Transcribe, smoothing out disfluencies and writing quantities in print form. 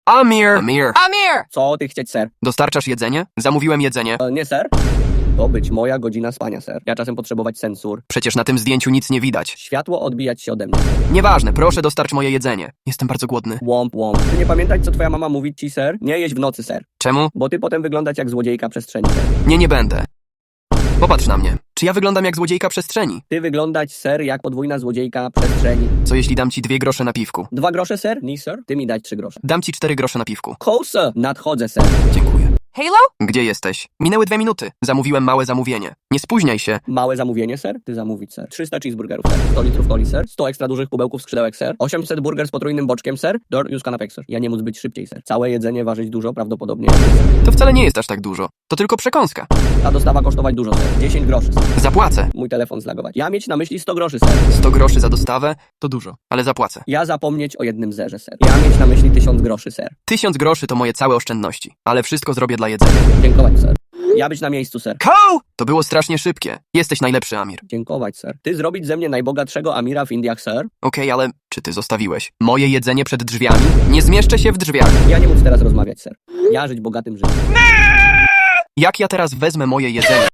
Amir! Amir! Co ty chcieć, ser? Dostarczasz jedzenie? Zamówiłem jedzenie. Nie, ser? To być moja godzina spania, ser. Ja czasem potrzebować sensor. Przecież na tym zdjęciu nic nie widać. Światło odbijać się ode mnie. Nieważne, proszę dostarcz moje jedzenie. Jestem bardzo głodny. Łomp, łomp. Ty nie pamiętać, co twoja mama mówi ci, ser? Nie jeść w nocy, ser. Czemu? Bo ty potem wyglądać jak złodziejka przestrzeni, ser. Nie będę. Popatrz na mnie. Czy ja wyglądam jak złodziejka przestrzeni? Ty wyglądać, ser, jak podwójna złodziejka przestrzeni. Co jeśli dam ci 2 grosze na piwku? 2 grosze, ser? Nie, ser? Ty mi dać 3 grosze. Dam ci 4 grosze na piwku. Kołsa! Nadchodzę, ser. Dziękuję. Halo? Gdzie jesteś? Minęły 2 minuty. Zamówiłem małe zamówienie. Nie spóźniaj się. Małe zamówienie, ser? Ty zamówić, ser. 300 cheeseburgerów, ser. 100 litrów coli, ser. 100 ekstra dużych kubełków skrzydełek, ser. 800 burger z potrójnym boczkiem, ser. Już kanapek, ser. Ja nie móc być szybciej, ser. Całe jedzenie ważyć dużo, prawdopodobnie. To wcale nie jest aż tak dużo. To tylko przekąska. Ta dostawa kosztować dużo, ser. 10 groszy, ser. Zapłacę. Mój telefon zlagować. Ja mieć na myśli 100 groszy, ser. 100 groszy za dostawę to dużo, ale zapłacę. Ja zapomnieć o jednym zerze, ser. Ja mieć na myśli 1000 groszy, ser. 1000 groszy to moje całe oszczędności, ale wszystko zrobię dla jedzenia. Dziękować, ser. Ja być na miejscu, ser. To było strasznie szybkie. Jesteś najlepszy, Amir. Dziękować, ser. Ty zrobić ze mnie najbogatszego Amira w Indiach, ser? Okej, ale czy ty zostawiłeś moje jedzenie przed drzwiami? Nie zmieszczę się w drzwiach. Ja nie móc teraz rozmawiać, ser. Ja żyć bogatym życiem. Jak ja teraz wezmę moje jedzenie?